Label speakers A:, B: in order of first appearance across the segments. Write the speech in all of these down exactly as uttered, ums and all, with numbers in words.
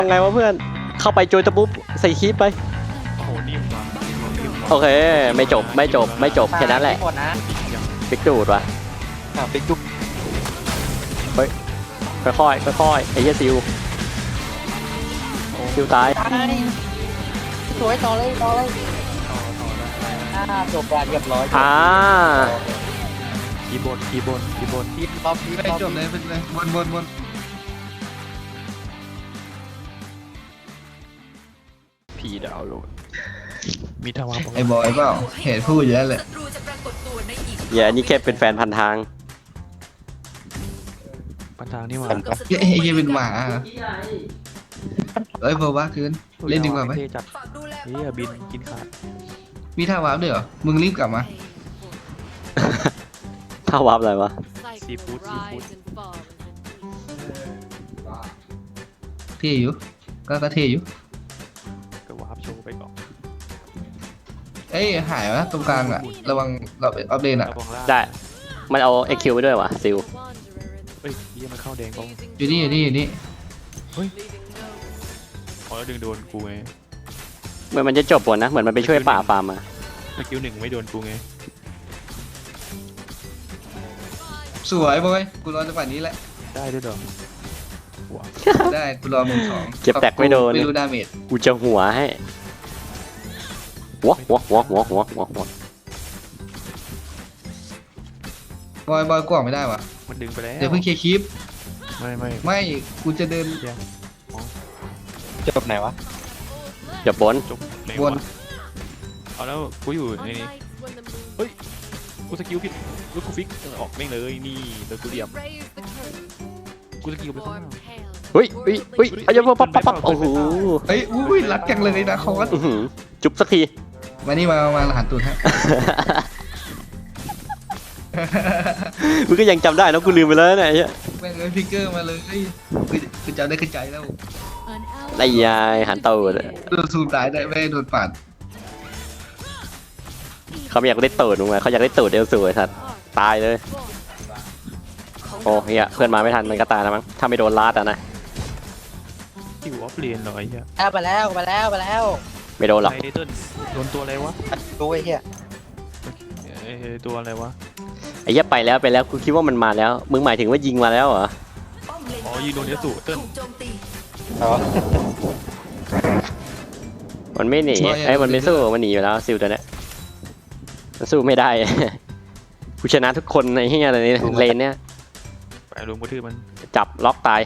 A: ยังไงวะเพื่อนเข้าไปโจยตะปุ๊บใส่คีบไป
B: โอ้โหนิ่มว่ะนิ่มว่ะ
A: โอเคไม่จบไม่จบไม่จบแค่นั้นแหละ
C: หมดนะ
A: ปิกดูดว่ะ
C: อ่ะปิกจุ๊บ
A: ค่อยๆค่อยๆไอ้เหี้ยซิวซิวตาย
C: ตายสวยต่อเลยต่อเลย
B: ต่อต่อได้
C: อ่าจบการเรียบร้อย
A: อ่า
B: คีย์บนคีย์บนคีย์บน
C: ทีมท็อปทีม
D: ไป
C: ท็อป
D: จบเลยไปเลยวนวนวน
B: พีดาวน์โหลดมีทวาร
D: ไอ้บอยเปล่าเห็นพูดอยู่แล้วแหละ
A: อย่าอันนี้แค่เป็นแฟนพันทาง
B: ปันทางนี่หว่า
D: ไอ้ไอ้ยังเป็นหมาเอ้ยบอกว่าคืนเล่นดีกว่าไหม
B: เท่จัดเฮ้ยบินกินขาด
D: มีท่าวาร์ปด้วยเหรอมึงรีบกลับมา
A: ถ้าวับอะไรวะ
B: ซีฟู้ดซีฟู้ด
D: เท่อยู่ก็ก็เท่อยู่
B: ก็วาร์ปโชว์ไปก่อน
D: เอ้ยหายวะตรงกลางอะระวังเราอัปเดตอะ
B: ระวังล่าง
A: ได้มันเอาเอ็กคิวไปด้วยวะซิว
B: เฮ้ยยี่มันเข้าแดงก็
D: อยู่นี่อยู่นี่อยู่นี่
B: พอแล้วดึงโดนกูไง
A: เหมือนมันจะจบหมดนะเหมือนมันไปช่วยป่าฟาร์มมา
B: สกิลหนึ่งไม่โดนกูไง
D: สวยบอยกูรอจังหวะนี้แหละ
B: ได้ด้วยเหรอว้าว
D: ได้กูรอมึงสอง
A: เก็บแตกไม่โดน
D: ไม่รู้ดาเมจ
A: กูจะหัวให้หัวหัวหัวหัวหัวหัวหัว
D: บอยบอยกล่องไม่ได้วะ
B: มันดึงไปแล้ว
D: เดี๋ยวเพิ่งเคลียร์คลิป
B: ไม่ไม่
D: ไม่กูจะเดิน
C: จบไหนวะ
A: เดี๋ยวบน
B: จบไหน
D: ว
B: วะ
D: น
B: เอาแล้วกูอยู่ในนี้กูสกิลผิดแล้วกูฟิกออกแม่งเลยนี่แล้วกูเหลี่ยมกูสกิลไปข้างหน้า
A: เฮ้ยเฮ้ยเฮ้ยอายุปั๊บปั๊บปั๊บโอ้โห
D: เอ้ยอุ้ยรักจังเลยนะคอส
A: อื้อหือจุบสักที
D: มานี่มามามาหันตูดฮะ
A: มึงก็ยังจำได้นะกูลืมไปแล้วเนี่ยไอ้เหี้ย
D: แม่งเลยพิกเกอร์มาเลยคือคือจำได้ขึ้นใจแล้ว
A: ไอ้ยายหันเตาเลย
D: โดนซูมตายได้ไม่ได้โดนปาด
A: เขาไม่อยากได้ตูดมึงไงเขาอยากได้ตูดเอลสูไอ้สัตว์ตายเลยโอ้เฮียเพื่อนมาไม่ทันมันก็ตายแล้วมั้งถ้าไม่โดนลาดอ่ะนะ
B: คิวออฟเลนเหรอไอ้เหี้ย
C: อ่ะไปแล้วไปแล้วไปแล้ว
A: ไม่โดนหรอก
B: ไอเติ้ลโดนตัวอะไรวะ
C: ดูไอ้เหี้ย
B: เอ้ยตัวอะไรวะ
A: ไอ้เหี้ยไปแล้วไปแล้วกูคิดว่ามันมาแล้วมึงหมายถึงว่ายิงมาแล้วเหรอ
B: อ๋อยิงโดนเยสุเติ้ล
C: อ๋อ
A: มันไม่หนีไอ้ยมันไม่สู้มันหนีอยู่แล้วซิลตัวเนี้ยมันสู้ไม่ได้ กูชนะทุกคนในเฮียอะไรนี่เลนเนี้ย
B: ไปลุมกระทืบมัน
A: จับล็อกตาย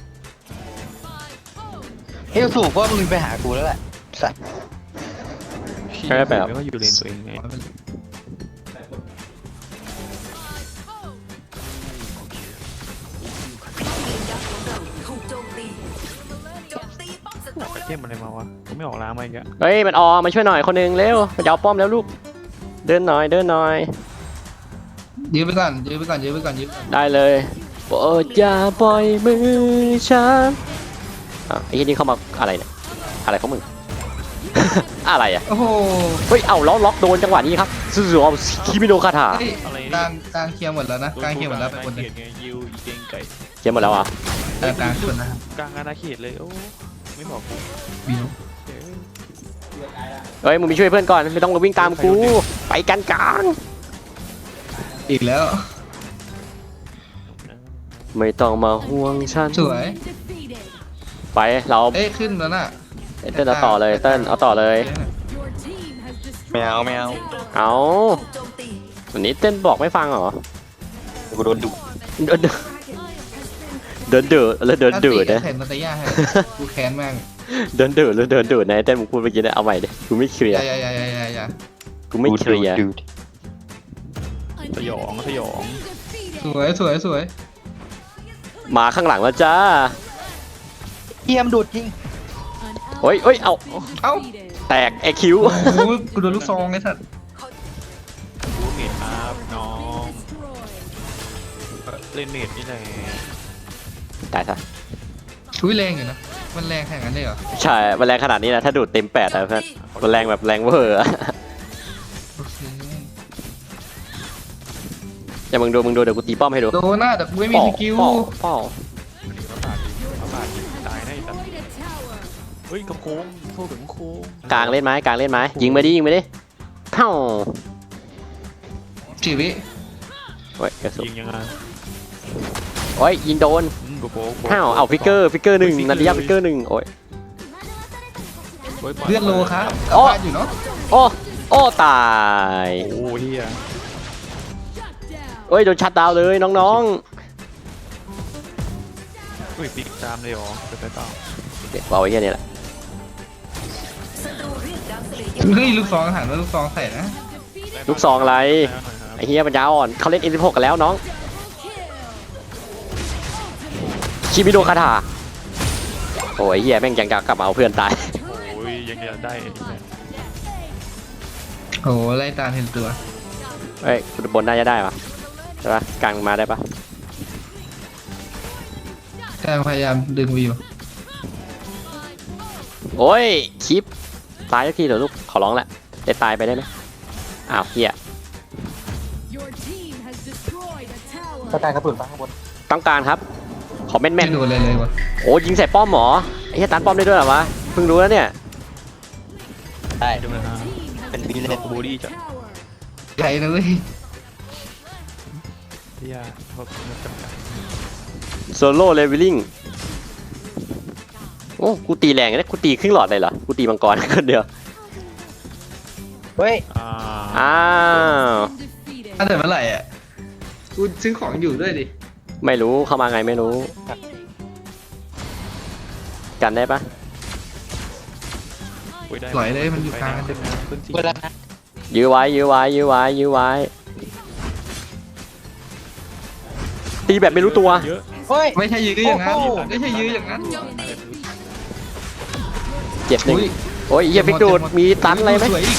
C: เฮ้ยสูบว่ามึงไปหากูแล้วแหละสัตว์
A: ใช่แบบ
B: แล้วก็อยู่เลนตัวเองไง ไปเทมอะไรมาวะผมไม่ออกล้างมาอีกอะ
A: เฮ้ยมันออมาช่วยหน่อยคนหนึงเร็วมันจะเอาป้อมแล้วลูกเดินหน่อยเดินหน่อย
D: ยื้อไปก่อนยื้อไปก่อนยื้อไปก่อนยื้อไปก่อน
A: ได้เลยโปรดอย่าปล่อยมือฉันอ่ะไอ้ที่นี่เข้ามาอะไรเนี่ยอะไรของมึง อะไรอ่ะ
D: โอ้โห
A: เฮ้ยเอาล้อล็อกโดนจังหวะนี้ครับซูซูเอาคิมิโนคาถา
D: เฮ้ยกลางกลางเคลียร์หมดแล้วนะกลางเคลียร์หมดแล้วไปคนหนึง
B: เไงยิวอีเจงไก่
A: เขียนหมดแล้วอ่ะ
D: กลางกลางคนนะครับ
B: กลางอาณาเขตเลยโอ้ไม่บอกกู
D: บิว
B: เอ้ย
A: เฮ้ยมึงไปช่วยเพื่อนก่อนไม่ต้องมาวิ่งตามกูไปกันกลาง
D: อีกแล้ว
A: ไม่ต้องมาห่วงฉัน
D: สวย
A: ไปเรา
D: เอ้ยขึ้นแล้วน่ะ
A: เต้นเอาต่อเลยเต้นเอาต่อเลย
C: ไม่เอาไม่เอา
A: เอาวันนี้เต้นบอกไม่ฟังเหรอ
C: กูโดนดุ
A: เดินเดินเดือดแล้วเดินเดือด
D: นะ
A: นะ
D: เห็นนาตาย่าให้กูแค้นแม่ง
A: เดินเดือดแล้วเดินเดือดนะเต้นมึงพูดเมื่อกี้นะเอาใหม่ดิกูไม่เคลี
D: อย
A: ร์
D: ย่าอย่าอย่าอย่าอย่าอย่า
A: กูไม่เคลียร์
B: สยองสยอง
D: สวยสวยสวย
A: มาข้างหลังแล้วจ้า
C: เทียมดูดจริง
A: เฮ้ยเฮ้ยเอา
D: เอ้า
A: แตกไอคิว
D: โอ้โหกูโดนลูกซองไอ้สัตว์
B: ดูเมดครับน้องเล่นเมดนี่แหละ
A: ตายซะ
D: ชุยแรงอยู่นะมันแรงขนาดนั้นเลยเหรอ
A: ใช่มันแรงขนาดนี้นะถ้าดูดเต็มแปดอะเพื่อนมันแรงแบบแรงเวอร์อะ
D: โอเค
A: อย่ามึงดูมึงดูเดี๋ยวกูตีป้อมให้ดู
D: โดนหน้าแต่กูไม่มีสกิล
A: ป้อป้อ
B: ประบาดประบาดตายได้แต่เฮ้ยกระโค้งโซ่ถึงโค้ง
A: กลางเล่นไหมกลางเล่นไหมยิงมาดิยิงมาดิเท่า
D: สี่วิ
A: โอ้ยกระสุน
B: ยิงยังไง
A: โอ้ยยิงโดน
B: อืมกระโค้ง
A: เท่าเอาฟิกเกอร์ฟิกเกอร์หนึ่งนาฬิกาฟิกเกอร์หนึ่งโอ้ย
B: ฮ้ยปย
D: เลือดโลครับกลับ
A: โอ้
D: บ้านอยู่เนาะ
A: โอ้โอ้ตาย
B: โอ้เฮีย
A: โอ้ยโดนชัดดาวน์เลยน้อง
B: เฮ้ยปิกตามเลยเหรอไปไปต่อ
A: ๆเด็กเอาไอ้เหี้ยนี่แหละ
D: เฮ้ยลูกซองหันมาลูกซองใส่นะ
A: ลูกซองอะไร
B: ได้หน่อยครับ
A: ไอ้เหี้ยปัญญาอ่อนเขาเล่น เอ็ม สิบหก กันแล้วน้องชิมิโดคาถาโอ้ยเหี้ยแม่งยังจะกลับมาเอาเพื่อนตาย
B: โอ้ยยังจะได้อีกนะ
D: โอ้ไล่ตามเห็นตัว
A: เอ้ยบนน่าจะได้ปะใช่ปะกลางมาได้ปะ
D: กำลังพยายามดึงวิว
A: โอ้ยคลิปตายสักทีเถอะลูกขอร้องแหละได้ตายไปได้ไหมอ้าวเหี้ย
C: กระจายกระสุนไปข้างบน
A: ต้องการครับขอแม่น
D: ไม่โดนเลยเลยวะ
A: ๆโอ้ยิงใส่ป้อมหมอไอ้เหี้ยตันป้อมได้ด้วยเหรอวะเพิ่งรู้แล้วเนี่ย
C: ได้
B: ดูนะฮะ
C: เป็นบีเล
B: เล่
C: น
B: นบูดี้จ้ะ
D: ใหญ่นะเว้ย
B: เฮียเขาจำกัด
A: โซโล่เลเวลลิ่งโอ้กูตีแรงนะกูตีครึ่งหลอดเลยเหรอกูตีมังกร คนเดียว
C: เฮ้ย
B: อ่า
A: อ้าว
D: ถ้าแต่เมื่อไหร่อ่ะกูซื้อของอยู่ด้วยดิ
A: ไม่รู้เข้ามาไงไม่รู้ กันได้ปะ
B: โได้
D: ปล่อยเลยมันอยู่กลางกันเต็มเลย
B: ขึ้นสี่
C: เวลานะ
A: ยื้อไว้ยื้อไว้ยื้อไว้ยื้อไว้ตีแบบไม่รู้ตัว
B: เยอะ
C: เฮ้ย
D: ไม่ใช่ยื้ออย่างนั้น
C: โอ้โห
D: ไม่ใช่ยื้ออย่างนั้น
A: เจ็บหนึ่ง
D: อุ้ย
A: โอ้ยเหี้ยฟิกดูดมีตันอะไรไหม
D: สวยอีก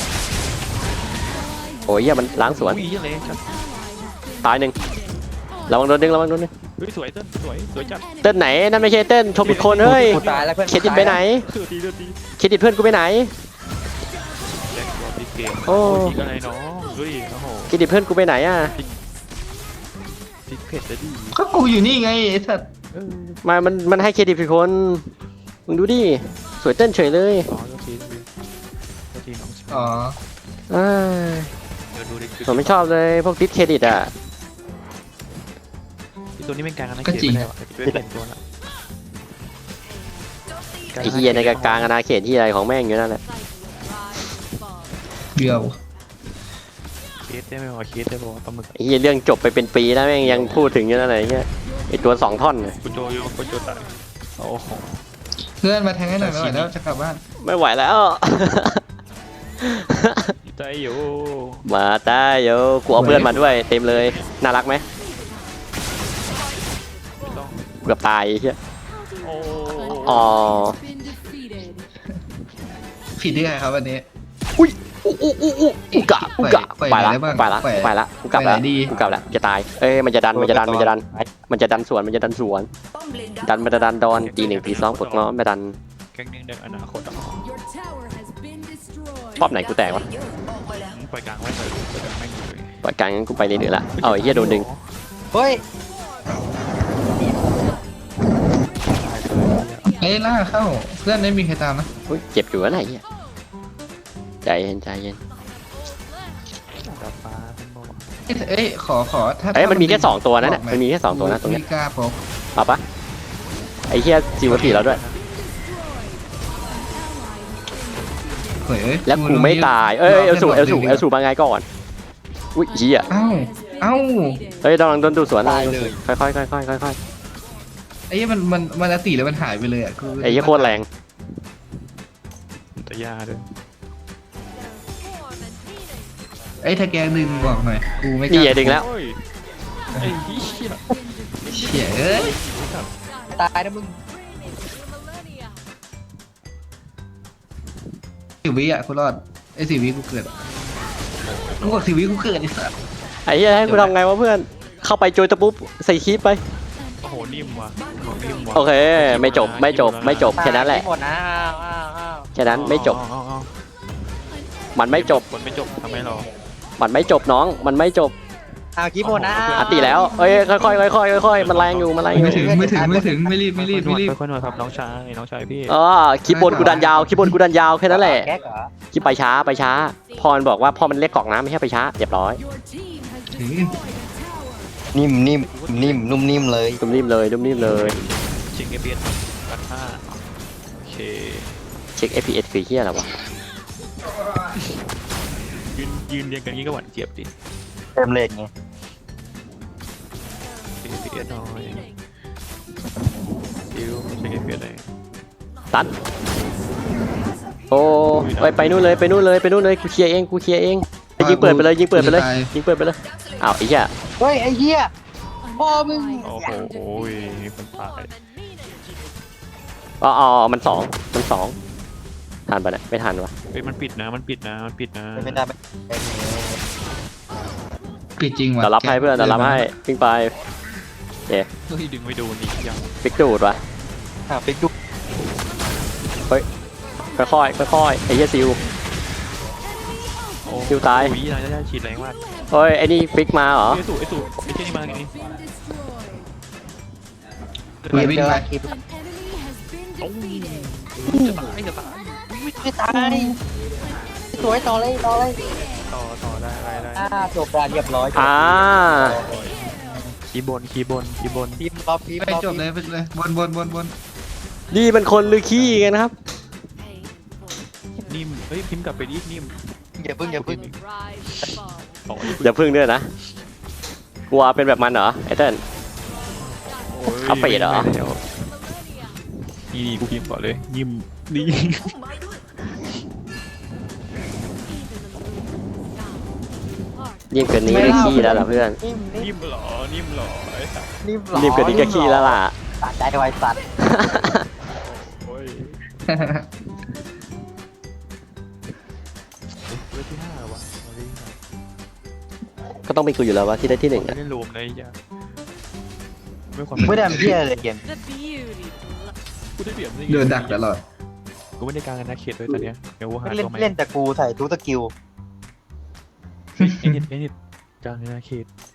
A: โอ้ยเหี้ยมันล้างสวน
B: อุ้ยเหี้ยเลยจัด
A: ตายหนึ่งระวังโดนดึงระวังโดนดึง
B: เฮ้ยสวยเต้นสวยสวยจัด
A: เต้นไหนนั่นไม่ใช่เต้นชมผิดคนเฮ้ย
C: กูตายแล้วเพื่อน
A: เครดิตไปไหน
B: เสือตีเสือตี
A: เครดิตเพื่อนกูไปไหน
B: แจ็คบอลตีเกม
A: โอ้
B: ยิงอะไรน้องเฮ้ยโอ้โห
A: เครดิตเพื่อนกูไปไหนอ่ะ
B: พิกเผ็ดจะดี
D: ก็กูอยู่นี่ไงไอ้สัตว์
B: เออ
A: มามันมันให้เครดิตผิดคนมึงดูดิสวยเต้นเฉยเลย
B: อ๋อก็ทีก็ทีน้อง
D: อ๋อ
A: อ้าย
B: เดี๋ยวดูดิ
A: ผมไม่ชอบเลยพวกดิสเครดิตอ่ะ
B: ตัวนี้เป็นการนะเกมไม่ได้หรอเป็นเป็นตัวละ
A: ไอ้เฮียในกลางอาณาเขตที่อะไรของแม่งอยู่นั่นแหละ
D: เดียว
B: เคสได้ไหมวะเคสได้ป่าวปลาหมึก
A: ไอ้เฮียเรื่องจบไปเป็นปีแล้วแม่งยังพูดถึงอยู่นั่นเลยไอ้เฮียไอ้ตัวสองท่อนน่ะ
B: กูโจโยกูโจตายโอ้โห
D: เพื่อนมาแทงให้หน่อยไม่ไหวแล้วจะกลับบ้าน
A: ไม่ไหวแล้ว
B: ใจอยู่
A: มาตายโยกูเอาเพื่อนมาด้วยเต็มเลยน่ารักไหม
B: ไม่ต้อง
A: เกือบตายไอ้เฮีย
B: โอ้
A: อ๋อ
D: ผิดที่ใครครับวันนี้
A: อุ้ยอู้อู้อู้อู้อุกะอุกะ
D: ปล่อย
A: ไปละ
D: ไหนได้บ้าง
A: ไปละ
D: ปล่อย
A: ไปละกูกลับละ
D: ไปไหนดี
A: กูกลับละจะตายเอ้ยมันจะดันมันจะดันมันจะดันมันจะดันสวนมันจะดันสวน ดันมันจะดันดอนตีหนึ่งตีสองปลดง้อไม่ดัน
B: แก๊งนึงเด็กอนาคตอ่ะ
A: ป้อมไหนกูแตกวะ
B: ปล่อยกลางไว้เลยปล่อยกลางไม่เลย
A: ปล่อยกลางงั้นกูไปเรื่อยๆละเอาไอ้เหี้ยโดนดึง
C: เฮ้ย
D: เอ้ยล่ากเข้าเพื่อนไม่มีใครตามนะ
A: อุ้ยเจ็บอยู่นะไอ้เหี้ยใจเย็นใจเย็น
B: ดาฟ้าเป็นโม
D: เอ้ยเอ้ยขอขอถ้า
A: เอ้ยมันมีแค่
D: ถ้า
A: สองตัวนั่นน่ะ
D: บกไห
A: มันมีแค่สองตัวนะตรงเนี้ย
D: ไม่กล้าพก
A: มาปะไอ้เหี้ยซีวอตีแล้วด้วย
D: เฮ้ยเอ้ย
A: แล้วกูไม่ตายเอ้ยเอลสูเอลสูเอลสูมาไงก่อนอุ้ยเหี้ย
D: เอ้าเอ้า
A: เฮ้ยกำลังโดนดูดสวนนะค่อยๆค่อยๆค่อยๆค่อย
D: ไอ้เหี้ยมันมันมันอติแล้วมันหายไปเลยอ่ะกู
A: ๆไอ้เหี้ยโคตรแรง
B: จะยาด้วย
D: ไอ้ยถ้าแกดึงบอกหน่อยกูไม่ก
A: นี่
D: ล้า
A: อย่าดึงแล้ว
B: ไอ้เหี้ย
D: เชี่ยเอ้ย
C: ตายนะมึง
D: สิบวิอ่ะกูรอดไอ้สิบวิกูเกิดกูบอกสิบวิกูเกิดไอ้สัส
A: ไอ้เหี้ยให้กูทำไงวะเพื่อนเข้าไปโจยตะปุ๊บใส่คลิปไป
B: โอ้โหนิ่มว่ะนิ่มว่ะ
A: โอเคไม่จบไม่จบไม่จบแค่นั้นแหละ
C: หมดนะอ้าวอ้าวอ้าว
A: แค่นั้นไม่จบ
B: เอาเอา
A: มันไม่จบ
B: คนไม่จบทำไมหรอ
A: มันไม่จบน้องมันไม่จบ
C: อ้าวกี้โบนะ
A: อัดตีแล้วเอ้ยค่อยๆค่อยๆค่อยๆมันแรงอยู่มันแรงอยู่
D: ไม่ถึงไม่ถึงไม่ถึงไม่รีบไม่รีบไม่รีบ
B: ค่อยๆหน่อยครับน้องชายน้องชายพี่
A: อ๋อคลิปบนกูดันยาวคลิปบนกูดันยาวแค่นั้นแหละ
C: แก๊กเหรอ
A: คลิปไปช้าไปช้าพรบอกว่าพ่อมันเรียกกรอกน้ำไม่ใช่ไปช้าเรียบร้อย
D: ถึง
C: นิ่มนิ่มนิ่มนุ่มนิ่มเลย
A: ดุมนิ่มเลยดุมนิ่มเลย
B: เช็คเอพีเอสกันห้าโอเค
A: เช็ค เอฟ พี เอส คือเฮียอะไรวะ
B: ยืนยืนเรียงกันงี้ก็หวานเจี๊ยบดิ
C: เต็มเลนไง
B: เช็คเอพีเอสหน่อยดิวเช็คเอพีเอสเลย
A: ตัดโอ้ไปไปนู่นเลยไปนู่นเลยไปนู่นเลยกูเคลียร์เองกูเคลียร์เองยิงเปิดไปเลยยิงเปิดไปเลยยิงเปิดไปเลยอ้าวไอ้เหี้ย
C: เฮ้ยไอ้เหี้ยพ่อมึง
B: โอ้โหโอ้ยคนตาย
A: อ๋ออ๋อมันสองมันสองทันปะเนี่ยไม่ทันวะ
B: เฮ้ยมันปิดนะมันปิดนะมันปิดนะ
C: ไม่ได้ไม่
D: ปิดจริงว่ะ
A: เดี๋ยวรับให้เพื่อนเดี๋ยวรับให้ปิ้งไป
B: เฮ้ยดึงไม่โดนอีกยัง
A: ปิกดูดวะ
C: อ่ะไปดู
A: ค่อยค่อยๆค่อยๆไอ้เหี้ยซิว
B: โอ้
A: คิวตาย
B: อุ้ยนะได้ฉีดแรงมาก
A: เฮ้ยไอ้นี่ฟิกมาเหรอ
B: ไอ้สูไอ้สูไอ้เช่นนี้มาไงนี่
D: ไปวิ่งไป
C: คลิป
B: โอ้ยจะตายจะตาย
C: ไม่ตายสวยต่อเลยต่อเลย
B: ต่อต่อได้ได้ได้
C: อ่าจบการเรียบร้อย
A: อ่า
B: คีย์บนคีย์บนคีย์บน
C: ทีมรอบทีม
D: ไป
C: รอบ
D: จบเลยไปเลยบนบนบนบน
A: นี่มันคนหรือขี้กันนะครับ
B: นิ่มเฮ้ยพิมพ์กลับไปดินิ่ม
C: อย่าพึ่งอย่าพึ่ง
B: ต่อ
A: อย่าพึ่งด้วยนะกลัวเป็นแบบมันเหรอไอ้เติ้ล เอาไปเหรอ
B: นี่กูพิมพ์ก่อนเลยนิ่มนี่
A: ยิ่งเกินนี้ก็ขี้แล้วล่ะเพื่อน
C: นิ่มนิ่ม
B: นิ่มเหรอนิ่มเหรอไอ้สัส
C: นิ่มหรอ
A: รีบเกินนี้ก็ขี้แล้วล่ะ
C: ตัดใจไวสัตว์
B: โอ้ยเวทที่ห้าว่ะเอาดิ
A: ก็ต้องเป็นกูอยู่แล้ววะที่ได้ที่หนึ่ง
B: ไม่
A: อะ
B: ได้รวมเลยอย่าไม่ความ
C: ไม่ได้ทำเพี้ยเลยเกม
B: กูได้เปรียบนี่
D: เดินดักตลอด
B: กูไม่ได้กลางกันนะเขตด้วยตอนเนี้ยเดี๋ยวกูหา
C: เล่น
B: ตัวใหม่
C: เล่นแต่กูใส่ทุกสกิล
B: ไอ้นิดไอ้นิดกลางกันนะเขต